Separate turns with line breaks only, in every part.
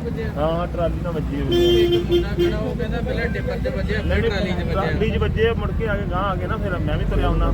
हाँ ट्राली ना बजी ट्राली बजे मुड़ के आगे गाँव आ गए ना फिर मैं भी तुरया आना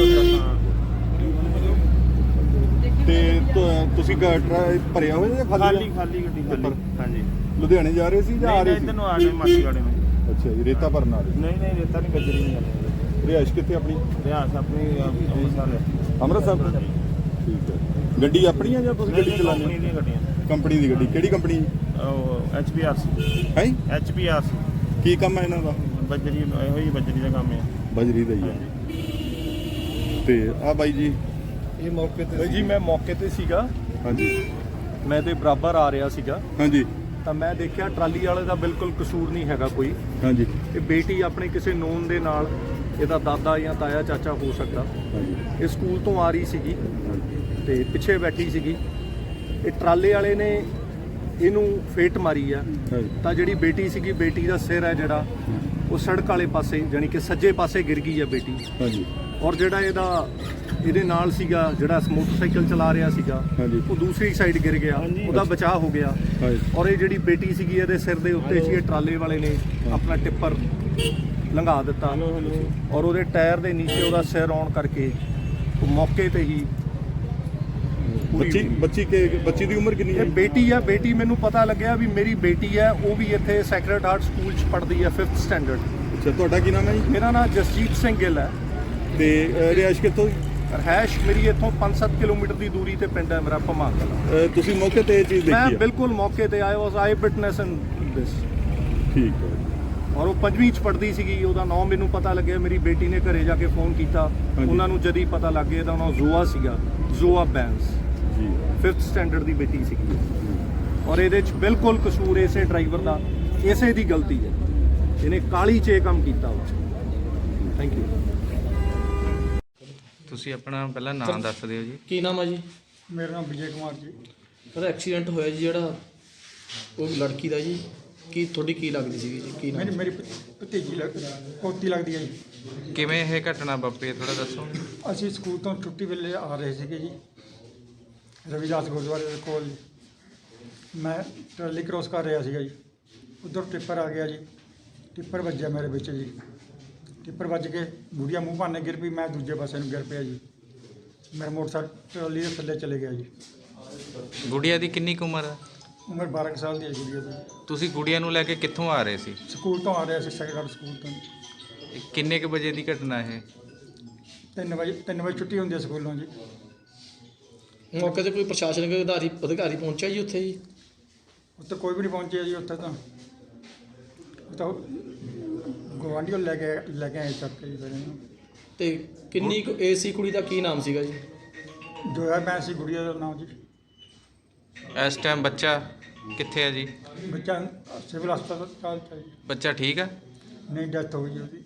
ਤੇ ਤੁਸੀਂ ਭਰਿਆ ਹੋਇਆ ਜਾਂ
खाली खाली गड्डी खाली हाँ जी
ਲੁਧਿਆਣੇ ਜਾ ਰਹੇ ਸੀ ਜਾਂ ਆ ਰਹੇ ਸੀ?
इधर आ गए मासी वाले में
ਅੱਛਾ ਜੀ, ਰੇਤਾ ਭਰਨ ਆ ਰਹੇ?
नहीं रेता नहीं बजरी नहीं जाने
ਰਿਹਾਇਸ਼ ਕਿੱਥੇ ਆਪਣੀ?
रियास अपनी अंमृतसर है
ਅੰਮ੍ਰਿਤਸਰ ਤੋਂ? ਠੀਕ ਹੈ। ਗੱਡੀ ਆਪਣੀ ਆ ਜਾਂ ਤੁਸੀਂ ਗੱਡੀ ਚਲਾਉਂਦੇ
कंपनी दी गड्डियां
ਕੰਪਨੀ ਦੀ ਗੱਡੀ? ਕਿਹੜੀ ਕੰਪਨੀ
HPRC
ਹੈ?
HPRC
ਕੀ ਕੰਮ ਹੈ ਇਹਨਾਂ ਦਾ?
बजरी ਇਹੋ ਹੀ बजरी ਦਾ ਕੰਮ ਹੈ
ਬਜਰੀ ਦਾ ਹੀ ਹੈ। ਤੇ ਆ ਬਾਈ ਜੀ
ਇਹ ਮੌਕੇ ਤੇ ਜੀ ਮੈਂ ਮੌਕੇ ਤੇ ਸੀਗਾ।
ਹਾਂਜੀ
ਮੈਂ ਤੇ ਬਰਾਬਰ ਆ ਰਿਹਾ ਸੀਗਾ
ਹਾਂਜੀ
ਤਾਂ ਮੈਂ ਦੇਖਿਆ ਟਰਾਲੀ ਵਾਲੇ ਦਾ ਬਿਲਕੁਲ ਕਸੂਰ ਨਹੀਂ ਹੈਗਾ ਕੋਈ।
ਹਾਂਜੀ
ਇਹ ਬੇਟੀ ਆਪਣੇ ਕਿਸੇ ਨੋਨ ਦੇ ਨਾਲ, ਇਹਦਾ ਦਾਦਾ ਜਾਂ ਤਾਇਆ ਚਾਚਾ ਹੋ ਸਕਦਾ,
ਹਾਂਜੀ
ਇਹ ਸਕੂਲ ਤੋਂ ਆ ਰਹੀ ਸੀਗੀ ਤੇ ਪਿੱਛੇ ਬੈਠੀ ਸੀਗੀ। ਇਹ ਟਰਾਲੇ ਵਾਲੇ ਨੇ ਇਹਨੂੰ ਫੇਟ ਮਾਰੀ ਆ ਤਾਂ ਜਿਹੜੀ ਬੇਟੀ ਸੀਗੀ, ਬੇਟੀ ਦਾ ਸਿਰ ਹੈ ਜਿਹੜਾ ਉਹ ਸੜਕ ਵਾਲੇ ਪਾਸੇ ਯਾਨੀ ਕਿ ਸੱਜੇ ਪਾਸੇ ਗਿਰ ਗਈ ਆ ਬੇਟੀ।
ਹਾਂਜੀ
ਔਰ ਜਿਹੜਾ ਇਹਦੇ ਨਾਲ ਸੀਗਾ ਜਿਹੜਾ ਮੋਟਰਸਾਈਕਲ ਚਲਾ ਰਿਹਾ ਸੀਗਾ ਉਹ ਦੂਸਰੀ ਸਾਈਡ ਗਿਰ ਗਿਆ, ਉਹਦਾ ਬਚਾਅ ਹੋ ਗਿਆ। ਔਰ ਇਹ ਜਿਹੜੀ ਬੇਟੀ ਸੀਗੀ ਇਹਦੇ ਸਿਰ ਦੇ ਉੱਤੇ ਸੀ, ਇਹ ਟਰਾਲੇ ਵਾਲੇ ਨੇ ਆਪਣਾ ਟਿੱਪਰ ਲੰਘਾ ਦਿੱਤਾ ਔਰ ਉਹਦੇ ਟਾਇਰ ਦੇ ਨੀਚੇ ਉਹਦਾ ਸਿਰ ਆਉਣ ਕਰਕੇ ਉਹ ਮੌਕੇ ਤੇ ਹੀ
ਬੱਚੀ ਦੀ ਉਮਰ ਕਿੰਨੀ ਹੈ?
ਇਹ ਬੇਟੀ ਆ। ਬੇਟੀ ਮੈਨੂੰ ਪਤਾ ਲੱਗਿਆ ਵੀ ਮੇਰੀ ਬੇਟੀ ਹੈ, ਉਹ ਵੀ ਇੱਥੇ ਸੈਕਰਡ ਹਾਰਟ ਸਕੂਲ 'ਚ ਪੜ੍ਹਦੀ ਹੈ 5th ਸਟੈਂਡਰਡ।
ਅੱਛਾ, ਤੁਹਾਡਾ ਕੀ ਨਾਮ ਹੈ ਜੀ?
ਮੇਰਾ ਨਾਮ ਜਸਜੀਤ ਸਿੰਘ ਗਿੱਲ ਹੈ।
ਤੇ ਰਿਹਾਇਸ਼ ਕਿੱਥੋਂ?
ਰਹਿਸ਼ ਮੇਰੀ ਇੱਥੋਂ 5-7 ਕਿਲੋਮੀਟਰ ਦੀ ਦੂਰੀ ਤੇ ਪਿੰਡ ਹੈ ਮੇਰਾ ਭਮਾਂਗਲ।
ਤੁਸੀਂ ਮੌਕੇ ਤੇ ਇਹ ਚੀਜ਼ ਦੇਖੀ?
ਮੈਂ ਬਿਲਕੁਲ ਮੌਕੇ ਤੇ ਆਇਆ, ਵਾਸ ਆਈ ਵਿਟਨੈਸ ਇਨ ਦਿਸ।
ਠੀਕ ਹੈ।
ਔਰ ਉਹ 5ਵੀਂ 'ਚ ਪੜ੍ਹਦੀ ਸੀਗੀ। ਉਹਦਾ ਨਾਮ ਮੈਨੂੰ ਪਤਾ ਲੱਗਿਆ, ਮੇਰੀ ਬੇਟੀ ਨੇ ਘਰੇ ਜਾ ਕੇ ਫੋਨ ਕੀਤਾ, ਉਹਨਾਂ ਨੂੰ ਜਦ ਹੀ ਪਤਾ ਲੱਗ ਗਿਆ ਤਾਂ ਉਹਨਾਂ ਜ਼ੋਆ ਸੀਗਾ, ਜ਼ੋਆ ਬੈਂਸ
ਜੀ
5th ਸਟੈਂਡਰਡ ਦੀ ਬੇਟੀ ਸੀਗੀ। ਔਰ ਇਹਦੇ 'ਚ ਬਿਲਕੁਲ ਕਸੂਰ ਇਸੇ ਡਰਾਈਵਰ ਦਾ, ਇਸੇ ਦੀ ਗਲਤੀ ਹੈ। ਇਹਨੇ ਕਾਲੀ 'ਚ ਇਹ ਕੰਮ ਕੀਤਾ ਵਾ। Thank you.
ਤੁਸੀਂ ਆਪਣਾ ਪਹਿਲਾਂ ਨਾਮ ਦੱਸ ਦਿਓ ਜੀ।
ਕੀ ਨਾਮ ਹੈ ਜੀ?
ਮੇਰਾ ਨਾਮ ਵਿਜੇ ਕੁਮਾਰ ਜੀ।
ਉਹਦਾ ਐਕਸੀਡੈਂਟ ਹੋਇਆ ਜੀ ਜਿਹੜਾ ਉਹ ਲੜਕੀ ਦਾ ਜੀ, ਕੀ ਤੁਹਾਡੀ ਕੀ ਲੱਗਦੀ ਸੀਗੀ ਜੀ? ਕੀ ਨਾਮ?
ਮੇਰੀ ਭਤੀਜੀ ਪੋਤੀ ਲੱਗਦੀ ਹੈ ਜੀ।
ਕਿਵੇਂ ਇਹ ਘਟਨਾ ਵਾਪਰੀ ਹੈ ਥੋੜਾ ਦੱਸੋ।
ਅਸੀਂ ਸਕੂਲ ਤੋਂ ਛੁੱਟੀ ਵੇਲੇ ਆ ਰਹੇ ਸੀਗੇ ਜੀ, ਰਵਿਦਾਸ ਗੁਰਦੁਆਰੇ ਦੇ ਕੋਲ ਜੀ। ਮੈਂ ਟਰਾਲੀ ਕ੍ਰੋਸ ਕਰ ਰਿਹਾ ਸੀਗਾ ਜੀ, ਉੱਧਰ ਟਿੱਪਰ ਆ ਗਿਆ ਜੀ। ਟਿੱਪਰ ਵੱਜਿਆ ਮੇਰੇ ਵਿੱਚ ਜੀ। ਟਿੱਪਰ ਵੱਜ ਕੇ ਗੁੜੀਆ ਮੂੰਹ ਭਾਨੇ ਗਿਰ ਪਈ, ਮੈਂ ਦੂਜੇ ਪਾਸੇ ਨੂੰ ਗਿਰ ਪਿਆ ਜੀ। ਮੇਰਾ ਮੋਟਰਸਾਈਕਲ ਟਰਾਲੀ ਦੇ ਥੱਲੇ ਚਲੇ ਗਿਆ ਜੀ।
ਗੁੜੀਆ ਦੀ ਕਿੰਨੀ ਕੁ ਉਮਰ ਹੈ?
ਉਮਰ 12 ਕੁ ਸਾਲ ਦੀ ਹੈ ਗੁੜੀਆ ਦੀ।
ਤੁਸੀਂ ਗੁੜੀਆ ਨੂੰ ਲੈ ਕੇ ਕਿੱਥੋਂ ਆ ਰਹੇ ਸੀ?
ਸਕੂਲ ਤੋਂ ਆ ਰਿਹਾ ਸੀ, ਸੈਕੰਡ ਸਕੂਲ ਤੋਂ।
ਇਹ ਕਿੰਨੇ ਕੁ ਵਜੇ ਦੀ ਘਟਨਾ ਇਹ?
3 ਵਜੇ ਛੁੱਟੀ ਹੁੰਦੀ ਹੈ ਸਕੂਲੋਂ ਜੀ।
ਮੌਕੇ ਤੇ ਕੋਈ ਪ੍ਰਸ਼ਾਸਨਿਕ ਅਧਿਕਾਰੀ ਪਹੁੰਚਿਆ ਜੀ ਉੱਥੇ ਜੀ?
ਉੱਥੇ ਕੋਈ ਵੀ ਨਹੀਂ ਪਹੁੰਚਿਆ ਜੀ। ਉੱਥੇ ਤਾਂ ਗਵਾਂਢੀਓ ਲੈ ਕੇ ਆਏ ਚੱਕ ਕੇ ਜੀ ਫਿਰ ਇਹਨੂੰ।
ਤੇ ਕਿੰਨੀ ਕੁ ਏਜ ਸੀ ਕੁੜੀ ਦਾ? ਕੀ ਨਾਮ ਸੀਗਾ ਜੀ?
ਜੋਇਆ ਮੈਂ ਸੀ ਗੁੜੀਆ ਦਾ ਨਾਮ ਜੀ।
ਇਸ ਟਾਈਮ ਬੱਚਾ ਕਿੱਥੇ ਹੈ ਜੀ?
ਬੱਚਾ ਸਿਵਲ ਹਸਪਤਾਲ ਚ ਜੀ।
ਬੱਚਾ ਠੀਕ ਹੈ?
ਨਹੀਂ, ਡੈਥ ਹੋ ਗਈ ਉਹਦੀ।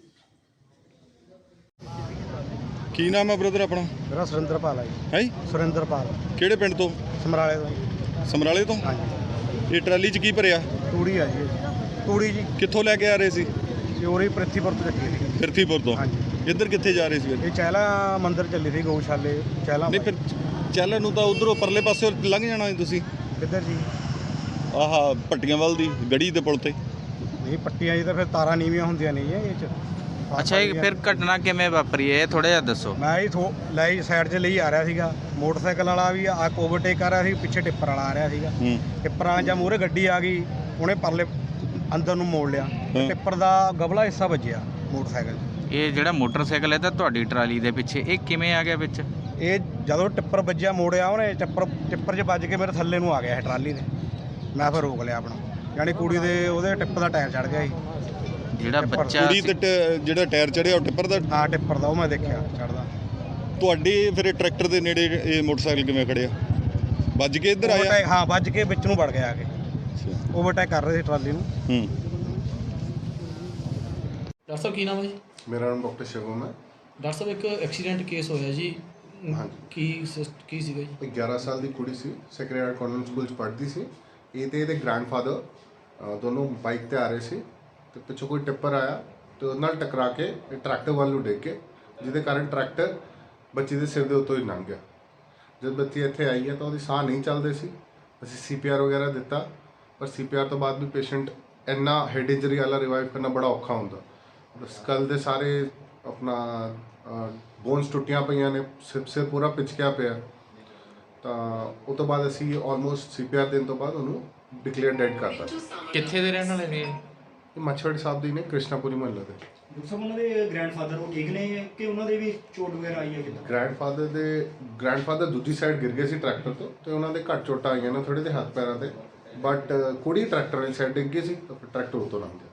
ਕੀ ਨਾਮ ਹੈ ਬ੍ਰਦਰ ਆਪਣਾ?
ਮੇਰਾ ਸੁਰਿੰਦਰਪਾਲ ਹੈ ਜੀ।
ਹੈ
ਸੁਰਿੰਦਰਪਾਲ।
ਕਿਹੜੇ ਪਿੰਡ ਤੋਂ?
ਸਮਰਾਲੇ ਤੋਂ।
ਸਮਰਾਲੇ ਤੋਂ?
ਹਾਂਜੀ।
ਇਹ ਟਰਾਲੀ 'ਚ ਕੀ ਭਰਿਆ?
ਤੂੜੀ ਆ ਜੀ। ਤੂੜੀ ਜੀ
ਕਿੱਥੋਂ ਲੈ ਕੇ ਆ ਰਹੇ ਸੀ?
ਚੋਰੀ ਪ੍ਰਿਥੀਪੁਰ ਤੋਂ ਚੱਕੀ ਸੀ।
ਫਿਰਤੀਪੁਰ ਤੋਂ?
ਹਾਂਜੀ।
ਇੱਧਰ ਕਿੱਥੇ ਜਾ ਰਹੇ ਸੀ ਫਿਰ?
ਇਹ ਚਹਿਲਾ ਮੰਦਿਰ ਚੱਲੀ ਸੀ, ਗਊਸ਼ਾਲੇ ਚਹਿਲਾ।
ਨਹੀਂ ਫਿਰ ਚੱਲਣ ਨੂੰ ਤਾਂ ਉਧਰੋਂ ਪਰਲੇ ਪਾਸੇ ਲੰਘ ਜਾਣਾ ਸੀ ਤੁਸੀਂ।
ਕਿੱਧਰ ਜੀ?
ਆਹ ਪੱਟੀਆਂ ਵੱਲ ਦੀ ਗੜੀ ਦੇ ਪੁਲ ਤੇ।
ਨਹੀਂ, ਪੱਟੀਆਂ ਜੀ ਤਾਂ ਫਿਰ ਤਾਰਾਂ ਨੀਵੀਆਂ ਹੁੰਦੀਆਂ ਨਹੀਂ ਇਹ 'ਚ।
ਅੱਛਾ, ਇਹ ਫਿਰ ਘਟਨਾ ਕਿਵੇਂ ਵਾਪਰੀ ਹੈ ਇਹ ਥੋੜਾ ਜਿਹਾ ਦੱਸੋ।
ਮੈਂ ਹੀ ਲੈ ਸਾਈਡ 'ਚ ਲਈ ਆ ਰਿਹਾ ਸੀਗਾ। ਮੋਟਰਸਾਈਕਲ ਵਾਲਾ ਵੀ ਓਵਰਟੇਕ ਕਰ ਰਿਹਾ ਸੀ, ਪਿੱਛੇ ਟਿੱਪਰ ਵਾਲਾ ਆ ਰਿਹਾ ਸੀਗਾ। ਟਿੱਪਰਾਂ ਜਾਂ ਮੂਹਰੇ ਗੱਡੀ ਆ ਗਈ, ਉਹਨੇ ਪਰਲੇ ਅੰਦਰ ਨੂੰ ਮੋੜ ਲਿਆ। ਟਿੱਪਰ ਦਾ ਗਬਲਾ ਹਿੱਸਾ ਵੱਜਿਆ ਮੋਟਰਸਾਈਕਲ 'ਚ।
ਇਹ ਜਿਹੜਾ ਮੋਟਰਸਾਈਕਲ ਹੈ ਤਾਂ ਤੁਹਾਡੀ ਟਰਾਲੀ ਦੇ ਪਿੱਛੇ, ਇਹ ਕਿਵੇਂ ਆ ਗਿਆ ਵਿੱਚ?
ਇਹ ਜਦੋਂ ਟਿੱਪਰ ਵੱਜਿਆ, ਮੋੜਿਆ ਉਹਨੇ, ਟਿੱਪਰ 'ਚ ਵੱਜ ਕੇ ਮੇਰੇ ਥੱਲੇ ਨੂੰ ਆ ਗਿਆ ਇਹ ਟਰਾਲੀ ਦੇ। ਮੈਂ ਫਿਰ ਰੋਕ ਲਿਆ ਆਪਣਾ, ਯਾਨੀ ਕੁੜੀ ਦੇ ਉਹਦੇ ਟਿੱਪਰ ਦਾ ਟਾਇਰ ਚੜ ਗਿਆ ਸੀ।
ਜਿਹੜਾ ਬੱਚਾ
ਕੁੜੀ ਤੇ ਜਿਹੜਾ ਟਾਇਰ ਚੜਿਆ ਉਹ ਟਿੱਪਰ ਦਾ?
ਹਾਂ, ਟਿੱਪਰ ਦਾ, ਉਹ ਮੈਂ ਦੇਖਿਆ ਚੜਦਾ।
ਤੁਹਾਡੇ ਫਿਰ ਟਰੈਕਟਰ ਦੇ ਨੇੜੇ ਇਹ ਮੋਟਰਸਾਈਕਲ ਕਿਵੇਂ ਖੜਿਆ? ਵੱਜ ਕੇ ਇੱਧਰ ਆਇਆ?
ਹਾਂ, ਵੱਜ ਕੇ ਵਿੱਚ ਨੂੰ ਵੜ ਗਿਆ ਆ ਕੇ। ਓਵਰਟੇਕ ਕਰ ਰਹੇ ਸੀ ਟਰਾਲੀ ਨੂੰ।
ਡਾਕਟਰ ਸਾਹਿਬ ਕੀ ਨਾਮ ਹੈ ਜੀ?
ਮੇਰਾ ਨਾਮ ਡਾਕਟਰ ਸ਼ਿਵਮ ਹੈ।
ਡਾਕਟਰ ਸਾਹਿਬ ਇੱਕ ਐਕਸੀਡੈਂਟ ਕੇਸ ਹੋਇਆ ਜੀ, ਕੀ ਸੀਗਾ ਜੀ?
11 ਸਾਲ ਦੀ ਕੁੜੀ ਸੀ, ਸੈਕਰਡ ਹਾਰਟ ਕਾਨਵੈਂਟ ਸਕੂਲ 'ਚ ਪੜ੍ਹਦੀ ਸੀ। ਇਹ ਤੇ ਇਹਦੇ ਗ੍ਰੈਂਡਫਾਦਰ ਦੋਨੋਂ ਬਾਈਕ ਤੇ ਆ ਰਹੇ ਸੀ ਤੇ ਪਿੱਛੋਂ ਕੋਈ ਟਿੱਪਰ ਆਇਆ ਤੇ ਉਹਦੇ ਨਾਲ ਟਕਰਾ ਕੇ ਇਹ ਟਰੈਕਟਰ ਵੱਲ ਨੂੰ ਡਿੱਗ ਕੇ, ਜਿਹਦੇ ਕਾਰਨ ਟਰੈਕਟਰ ਬੱਚੀ ਦੇ ਸਿਰ ਦੇ ਉੱਤੋਂ ਹੀ ਲੰਘ ਗਿਆ। ਜਦ ਬੱਚੀ ਇੱਥੇ ਆਈ ਹੈ ਤਾਂ ਉਹਦੀ ਸਾਹ ਨਹੀਂ ਚੱਲਦੇ ਸੀ। ਅਸੀਂ CPR ਵਗੈਰਾ ਦਿੱਤਾ ਪਰ ਸੀਪੀਆਰ ਤੋਂ ਬਾਅਦ ਵੀ ਪੇਸ਼ੈਂਟ ਇੰਨਾ ਹੈਡ ਇੰਜਰੀ ਵਾਲਾ ਰਿਵਾਈਵ ਕਰਨਾ ਬੜਾ ਔਖਾ ਹੁੰਦਾ। ਸਕਲ ਦੇ ਸਾਰੇ ਆਪਣਾ ਬੋਨਸ ਟੁੱਟੀਆਂ ਪਈਆਂ ਨੇ, ਸਿਰ ਪੂਰਾ ਪਿਚਕਿਆ ਪਿਆ। ਤਾਂ ਉਹ ਤੋਂ ਬਾਅਦ ਅਸੀਂ ਆਲਮੋਸਟ ਸੀਪੀਆਰ ਦੇਣ ਤੋਂ ਬਾਅਦ ਉਹਨੂੰ ਡਿਕਲੇਅਰ ਡੈਡ ਕਰਤਾ।
ਕਿੱਥੇ ਦੇ ਰਹਿਣ ਵਾਲੇ ਨੇ?
ਇਹ ਮੱਛਵਾੜੀ ਸਾਹਿਬ ਦੀ ਨੇ, ਕ੍ਰਿਸ਼ਨਾਪੁਰੀ ਮੁਹੱਲੇ ਦੇ।
ਡਾਕਟਰ ਸਾਹਿਬ ਉਹਨਾਂ ਦੇ ਗ੍ਰੈਂਡਫਾਦਰ ਉਹ ਠੀਕ ਨੇ ਕਿ ਉਹਨਾਂ ਦੇ ਵੀ ਚੋਟ ਵਗੈਰਾ ਆਈ ਹੈ ਕਿੱਦਾਂ?
ਗ੍ਰੈਂਡਫਾਦਰ ਦੂਜੀ ਸਾਈਡ ਗਿਰ ਗਏ ਸੀ ਟਰੈਕਟਰ ਤੋਂ, ਤੇ ਉਹਨਾਂ ਦੇ ਘੱਟ ਚੋਟਾਂ ਆਈਆਂ ਨੇ ਥੋੜੇ ਦੇ ਹੱਥ ਪੈਰਾਂ ਤੇ, ਬਟ ਕੁੜੀ ਟਰੈਕਟਰ ਵਾਲੀ ਸਾਈਡ ਡਿੱਗ ਗਈ ਸੀ ਤਾਂ ਫਿਰ ਟਰੈਕਟਰ ਉੱਤੋਂ ਲੰਘ ਗਿਆ।